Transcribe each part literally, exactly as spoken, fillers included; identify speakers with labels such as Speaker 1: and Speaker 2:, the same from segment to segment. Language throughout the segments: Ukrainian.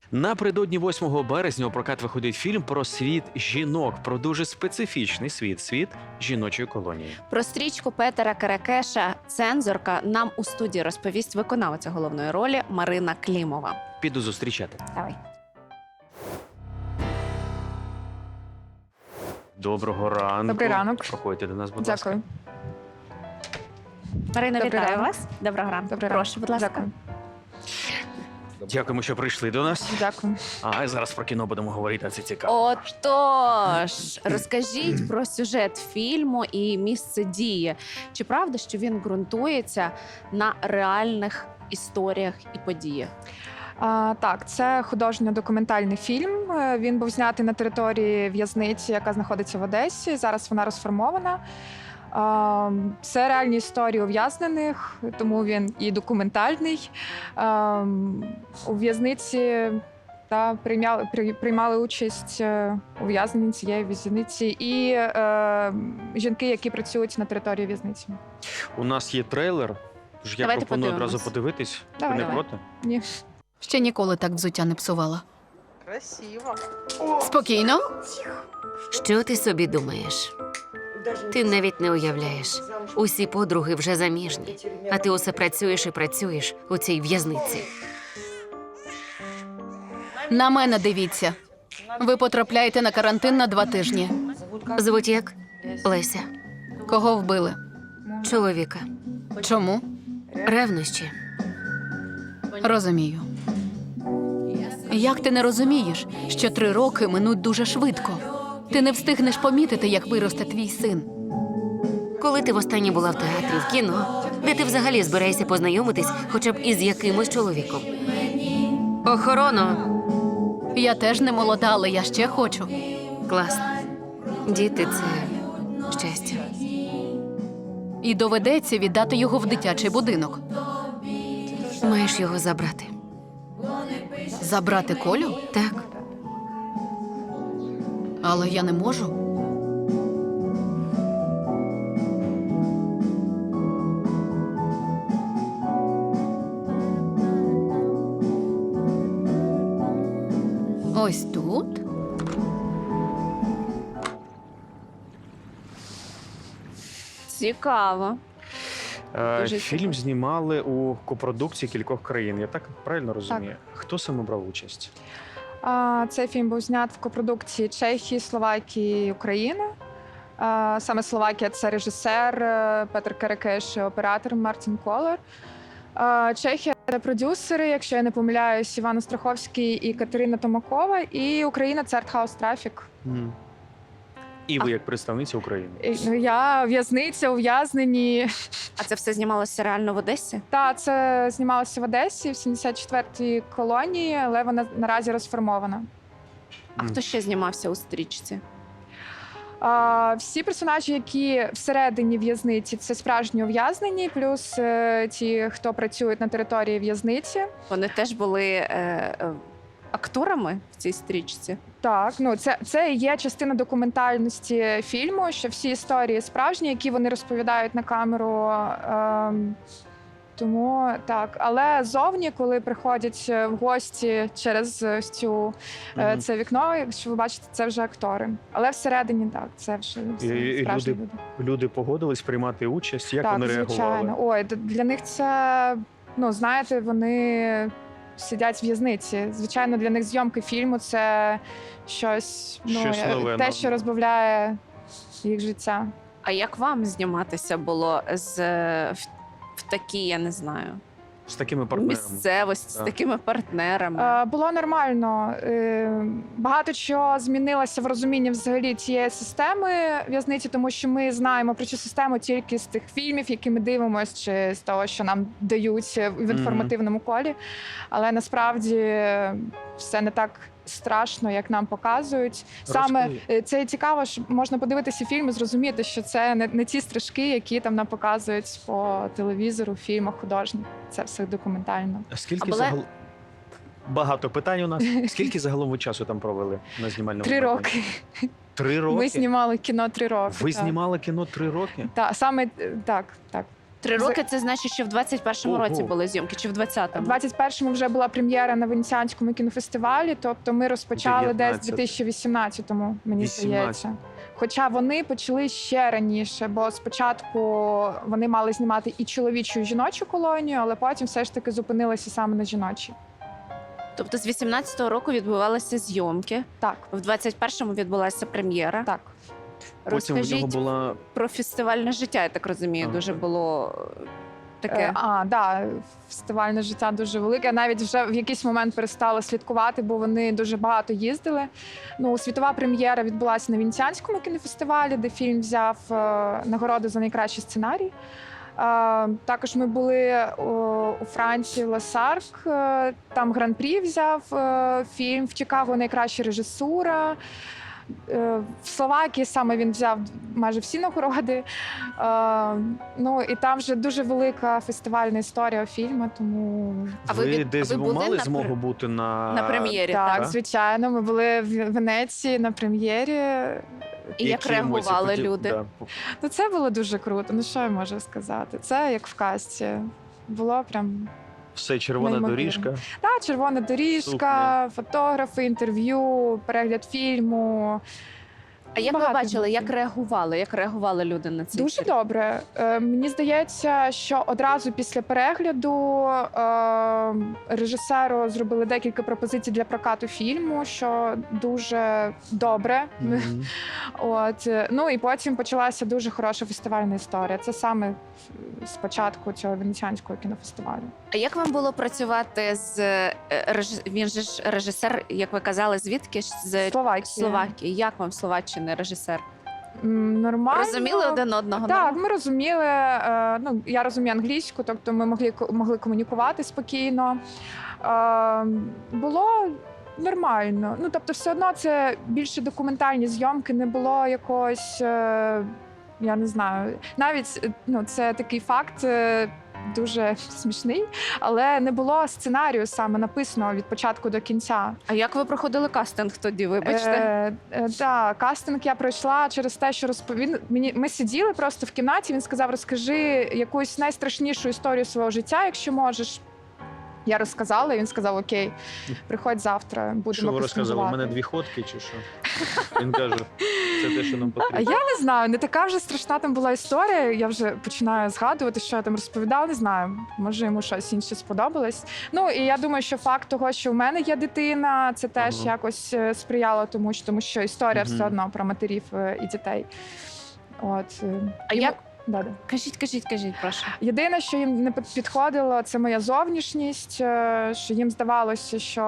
Speaker 1: Напередодні восьмого березня у прокат виходить фільм про світ жінок, про дуже специфічний світ, світ жіночої колонії.
Speaker 2: Про стрічку Петера Керекеша «Цензорка» нам у студії розповість виконавиця головної ролі Марина Клімова.
Speaker 1: Піду зустрічати.
Speaker 2: Давай.
Speaker 1: Доброго ранку.
Speaker 3: Добрий ранок.
Speaker 1: Проходьте до нас, будь
Speaker 3: Дякую.
Speaker 1: ласка.
Speaker 2: Марина,
Speaker 3: Добрий
Speaker 2: вітаю
Speaker 3: ранок.
Speaker 2: вас. Доброго ранку.
Speaker 3: Добрий
Speaker 2: Прошу,
Speaker 3: ранок.
Speaker 2: будь ласка.
Speaker 3: Дякую.
Speaker 1: Дякуємо, що прийшли до нас.
Speaker 3: Дякую.
Speaker 1: А зараз про кіно будемо говорити, це цікаво.
Speaker 2: Отож, розкажіть про сюжет фільму і місце дії. Чи правда, що він ґрунтується на реальних історіях і подіях?
Speaker 3: А, так, це художньо-документальний фільм. Е, Він був знятий на території в'язниці, яка знаходиться в Одесі. Зараз вона розформована. А, Це реальні історії ув'язнених, тому він і документальний. А, У в'язниці та приймали, при- приймали участь е, ув'язнені цієї в'язниці і е, жінки, які працюють на території в'язниці.
Speaker 1: У нас є трейлер, тож я
Speaker 2: Давайте
Speaker 1: пропоную
Speaker 2: подивимось.
Speaker 1: одразу подивитись.
Speaker 3: Давай,
Speaker 1: Ви не
Speaker 2: давай.
Speaker 1: проти?
Speaker 3: Ні.
Speaker 4: Ще ніколи так взуття не псувала.
Speaker 5: Красиво.
Speaker 4: Спокійно.
Speaker 6: Що ти собі думаєш? Ти навіть не уявляєш. Усі подруги вже заміжні, а ти усе працюєш і працюєш у цій в'язниці.
Speaker 4: На мене дивіться. Ви потрапляєте на карантин на два тижні.
Speaker 6: Звуть як? Леся.
Speaker 4: Кого вбили?
Speaker 6: Чоловіка.
Speaker 4: Чому?
Speaker 6: Ревнощі.
Speaker 4: Розумію. Як ти не розумієш, що три роки минуть дуже швидко? Ти не встигнеш помітити, як виросте твій син.
Speaker 6: Коли ти востаннє була в театрі, в кіно, де ти взагалі збираєшся познайомитись хоча б із якимось чоловіком? Охорона.
Speaker 4: Я теж не молода, але я ще хочу.
Speaker 6: Класно. Діти – це щастя.
Speaker 4: І доведеться віддати його в дитячий будинок.
Speaker 6: Маєш його забрати.
Speaker 4: Забрати Колю?
Speaker 6: Так.
Speaker 4: Але я не можу. Ось тут.
Speaker 2: Цікаво.
Speaker 1: Е,
Speaker 2: Дуже
Speaker 1: Фільм
Speaker 2: цікаво.
Speaker 1: знімали у копродукції кількох країн. Я так правильно розумію? Хто саме брав участь?
Speaker 3: А, Цей фільм був знят в копродукції Чехії, Словакії, України. А, Саме Словакія – це режисер е, Петр Керекеш і оператор Мартін Колер. А, Чехія – це продюсери, якщо я не помиляюсь, Іван Остраховський і Катерина Томакова. І Україна – це Артхаус Трафік.
Speaker 1: Мгм. І ви як представниця України.
Speaker 3: І, ну, Я в'язниця, ув'язнені.
Speaker 2: А це все знімалося реально в Одесі?
Speaker 3: Та, це знімалося в Одесі в сімдесят четвертій колонії, але вона наразі розформована.
Speaker 2: А
Speaker 1: Мгм.
Speaker 2: хто ще знімався у стрічці?
Speaker 3: А, Всі персонажі, які всередині в'язниці, це справжні ув'язнені, плюс е, ті, хто працюють на території в'язниці.
Speaker 2: Вони теж були е, е, акторами в цій стрічці?
Speaker 3: Так, ну це, це і є частина документальності фільму, що всі історії справжні, які вони розповідають на камеру. Ем, тому так, але зовні, коли приходять в гості через ось цю е,
Speaker 1: Мгм.
Speaker 3: це вікно, якщо ви бачите, це вже актори. Але всередині так, це вже
Speaker 1: І-
Speaker 3: всі
Speaker 1: і
Speaker 3: справжні
Speaker 1: люди
Speaker 3: люди.
Speaker 1: Люди погодились приймати участь. Як
Speaker 3: Так,
Speaker 1: вони
Speaker 3: звичайно.
Speaker 1: реагували?
Speaker 3: Ой, д- для них це, ну знаєте, вони сидять в в'язниці. Звичайно, для них зйомки фільму це щось, ну,
Speaker 1: Щось
Speaker 3: е,
Speaker 1: нове,
Speaker 3: те,
Speaker 1: ну.
Speaker 3: що розбавляє їх життя.
Speaker 2: А як вам зніматися було з е, в, в такій, я не знаю,
Speaker 1: З такими партнерами.
Speaker 2: місцевості, з
Speaker 1: Так.
Speaker 2: такими партнерами?
Speaker 3: Е, Було нормально. Е, Багато чого змінилося в розумінні взагалі цієї системи в'язниці, тому що ми знаємо про цю систему тільки з тих фільмів, які ми дивимося, чи з того, що нам дають в інформативному колі. Але насправді все не так страшно, як нам показують. Саме
Speaker 1: Розкажи.
Speaker 3: е, це і цікаво, що можна подивитися фільм і зрозуміти, що це не, не ті стрижки, які там нам показують по телевізору, фільмах художніх. Це все документально.
Speaker 1: А скільки
Speaker 2: А були-
Speaker 1: загал... Багато питань у нас. Скільки загалом ви часу там провели на знімальному?
Speaker 3: Три
Speaker 1: майданчику?
Speaker 3: роки.
Speaker 1: Три роки?
Speaker 3: Ми знімали кіно три роки.
Speaker 1: Ви
Speaker 3: так.
Speaker 1: знімали кіно три роки?
Speaker 3: Так, саме е, так, так.
Speaker 2: Три
Speaker 3: З-
Speaker 2: роки це значить, що в двадцять першому
Speaker 1: Ого.
Speaker 2: році були зйомки, чи в
Speaker 3: У
Speaker 2: двадцятому?
Speaker 3: двадцять першому вже була прем'єра на Венеціанському кінофестивалі, тобто ми розпочали десь в
Speaker 1: дев'ятнадцятий.
Speaker 3: дві тисячі вісімнадцятому, мені
Speaker 1: вісімнадцятий.
Speaker 3: здається. Хоча вони почали ще раніше, бо спочатку вони мали знімати і чоловічу, і жіночу колонію, але потім все ж таки зупинилися саме на жіночій.
Speaker 2: Тобто з вісімнадцятого року відбувалися зйомки,
Speaker 3: Так,
Speaker 2: в двадцять першому відбулася прем'єра.
Speaker 3: так.
Speaker 1: Потім в
Speaker 2: Розкажіть
Speaker 1: нього була
Speaker 2: про фестивальне життя, я так розумію,
Speaker 1: Ага.
Speaker 2: дуже було е, таке.
Speaker 3: Е, А, да, фестивальне життя дуже велике. Я навіть вже в якийсь момент перестала слідкувати, бо вони дуже багато їздили. Ну, світова прем'єра відбулася на Венеціанському кінофестивалі, де фільм взяв е, нагороду за найкращий сценарій. Е, також ми були о, у Франції Ласарк, е, там гран-прі взяв е, фільм, в Чикаго найкраща режисура. Е, В Словакії саме він взяв майже всі нагороди. Е, Ну і там вже дуже велика фестивальна історія фільму, тому
Speaker 2: А ви
Speaker 1: ви,
Speaker 2: від-
Speaker 1: десь
Speaker 2: ви були
Speaker 1: мали
Speaker 2: на
Speaker 1: змогу
Speaker 2: пр-
Speaker 1: бути на,
Speaker 2: на прем'єрі,
Speaker 3: так,
Speaker 2: так?
Speaker 3: звичайно, ми були в Венеції на прем'єрі.
Speaker 2: І як
Speaker 1: Які емоції
Speaker 2: реагували
Speaker 1: хотів-
Speaker 2: люди?
Speaker 1: Да.
Speaker 3: Ну це було дуже круто. Ну що я можу сказати? Це як в касті. Було прям
Speaker 1: Все, червона
Speaker 3: Неймовірно.
Speaker 1: доріжка.
Speaker 3: та червона доріжка, фотографи, інтерв'ю, перегляд фільму.
Speaker 2: А як ви
Speaker 3: Багато
Speaker 2: бачили, як
Speaker 3: емоцій.
Speaker 2: реагували, як реагували люди на це?
Speaker 3: Дуже добре. Е, мені здається, що одразу після перегляду е, режисеру зробили декілька пропозицій для прокату фільму, що дуже добре.
Speaker 1: Мгм.
Speaker 3: От е, ну і потім почалася дуже хороша фестивальна історія. Це саме з початку цього венеціанського кінофестивалю.
Speaker 2: А як вам було працювати з е, реж... він же ж режисер, як ви казали, звідки ж з
Speaker 3: Словакія.
Speaker 2: Словакії? Як вам Словаччини режисер?
Speaker 3: М, Нормально.
Speaker 2: Розуміли один одного?
Speaker 3: Так,
Speaker 2: нормально?
Speaker 3: ми розуміли. е, Ну я розумію англійську, тобто ми могли ко- могли комунікувати спокійно. Е, Було нормально. Ну тобто, все одно це більше документальні зйомки, не було якогось. е, Я не знаю, навіть е, ну це такий факт. е, Дуже смішний, але не було сценарію саме написаного від початку до кінця.
Speaker 2: А як ви проходили кастинг тоді? Вибачте,
Speaker 3: Е, е, так, кастинг я пройшла через те, що розповів мені. Ми сиділи просто в кімнаті. Він сказав: розкажи якусь найстрашнішу історію свого життя, якщо можеш. Я розказала, і він сказав: Окей, приходь завтра, будемо
Speaker 1: Що ви розказали? У
Speaker 3: кастингувати».
Speaker 1: мене дві ходки чи що? Він каже, це те, що нам
Speaker 3: А
Speaker 1: потрібно.
Speaker 3: я не знаю, не така вже страшна там була історія. Я вже починаю згадувати, що я там розповідала. Не знаю, може йому щось інше сподобалось. Ну і я думаю, що факт того, що в мене є дитина, це теж
Speaker 1: Ага.
Speaker 3: якось е, сприяло тому, що тому що історія
Speaker 1: Мгм.
Speaker 3: все одно про матерів е, і дітей. От е,
Speaker 2: А
Speaker 3: йому-
Speaker 2: як-
Speaker 3: Да-да.
Speaker 2: кажіть, кажіть, кажіть, прошу.
Speaker 3: Єдине, що їм не під- підходило, це моя зовнішність. е, Що їм здавалося, що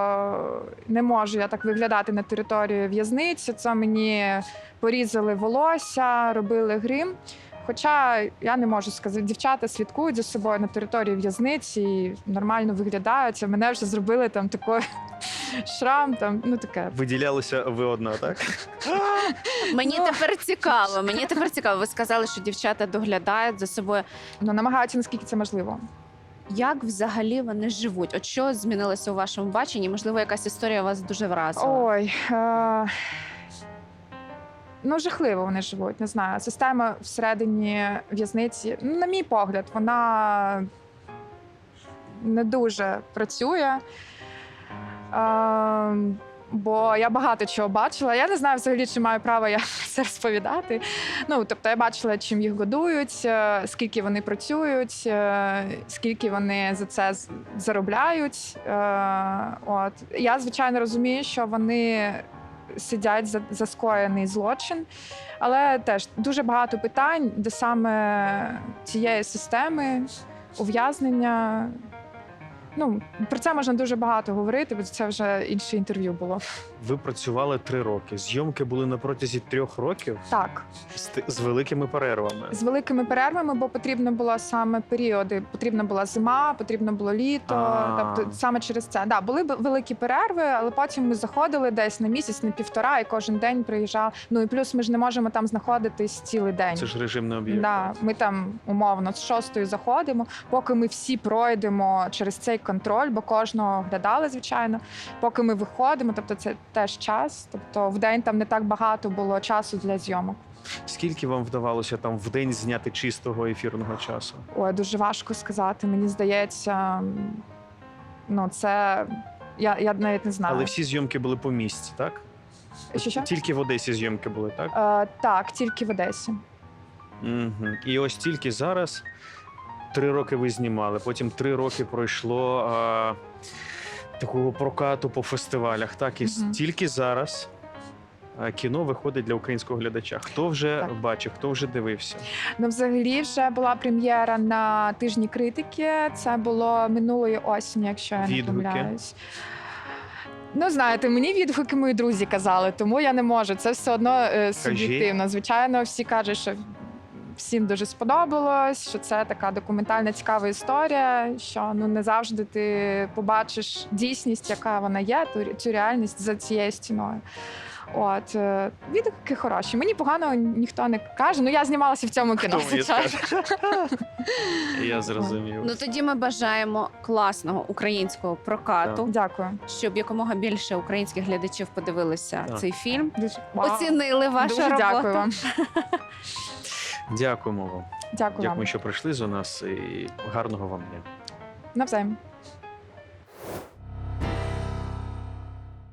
Speaker 3: не можу я так виглядати на території в'язниці. Це мені порізали волосся, робили грим. Хоча я не можу сказати, дівчата слідкують за собою на території в'язниці і нормально виглядають. А мене вже зробили там такий шрам, там ну таке.
Speaker 1: Виділялися ви одна, так?
Speaker 2: Мені
Speaker 3: Ну.
Speaker 2: тепер цікаво. Мені тепер цікаво. Ви сказали, що дівчата доглядають за собою.
Speaker 3: Ну намагаються наскільки це можливо.
Speaker 2: Як взагалі вони живуть? От що змінилося у вашому баченні? Можливо, якась історія вас дуже вразила?
Speaker 3: Ой. Е... Ну, жахливо вони живуть, не знаю. Система всередині в'язниці, ну, на мій погляд, вона не дуже працює. Е... Бо я багато чого бачила. Я не знаю взагалі, чи маю право я це розповідати. Ну, тобто я бачила, чим їх годують, е, скільки вони працюють, е, скільки вони за це з- заробляють. Е, От. Я, звичайно, розумію, що вони сидять за, за скоєний злочин, але теж дуже багато питань, де саме цієї системи ув'язнення. Ну, про це можна дуже багато говорити, бо це вже інше інтерв'ю було.
Speaker 1: Ви працювали три роки. Зйомки були на протязі трьох років
Speaker 3: Так,
Speaker 1: з, ти- з великими перервами.
Speaker 3: з великими перервами, бо потрібно було саме періоди. Потрібна була зима, потрібно було літо.
Speaker 1: А.
Speaker 3: Тобто саме через це. Да, були б великі перерви, але потім ми заходили десь на місяць, на півтора, і кожен день приїжджав. Ну і плюс ми ж не можемо там знаходитись цілий день.
Speaker 1: Це ж режимний об'єкт.
Speaker 3: Да, ми там умовно з шостої заходимо, поки ми всі пройдемо через цей контроль, бо кожного оглядали, звичайно, поки ми виходимо. Тобто це теж час. Тобто в день там не так багато було часу для зйомок.
Speaker 1: Скільки вам вдавалося там в день зняти чистого ефірного часу?
Speaker 3: Ой, дуже важко сказати. Мені здається, ну це я, я навіть не знаю.
Speaker 1: Але всі зйомки були по місці, так?
Speaker 3: Що, що?
Speaker 1: Тільки в Одесі зйомки були, так?
Speaker 3: Е, так, тільки в Одесі.
Speaker 1: Угу. І ось тільки зараз три роки ви знімали, потім три роки пройшло а, такого прокату по фестивалях. Так, і
Speaker 3: Мгм.
Speaker 1: тільки зараз а, кіно виходить для українського глядача. Хто вже
Speaker 3: Так.
Speaker 1: бачив, хто вже дивився?
Speaker 3: Ну, взагалі, вже була прем'єра на тижні критики. Це було минулої осені, якщо я не
Speaker 1: Відгуки?
Speaker 3: помиляюсь. Ну, знаєте, мені відгуки мої друзі казали, тому я не можу. Це все одно е, суб'єктивно. Звичайно, всі кажуть, що всім дуже сподобалось, що це така документальна цікава історія, що ну не завжди ти побачиш дійсність, яка вона є, ту, цю реальність за цією стіною. От е, відгуки хороші. Мені погано ніхто не каже. Ну я знімалася в цьому кіно.
Speaker 1: Хто мені
Speaker 3: звичайно.
Speaker 1: Я зрозумів.
Speaker 2: Ну тоді ми бажаємо класного українського прокату,
Speaker 3: Дякую.
Speaker 2: щоб якомога більше українських глядачів подивилися
Speaker 1: Так.
Speaker 2: цей фільм,
Speaker 3: Дуже Вау.
Speaker 2: оцінили вашу
Speaker 3: Дуже
Speaker 2: роботу.
Speaker 3: дякую вам.
Speaker 1: Дякуємо вам.
Speaker 3: Дякую
Speaker 1: Дякую,
Speaker 3: вам.
Speaker 1: що прийшли до нас, і гарного вам дня.
Speaker 3: Навзаєм.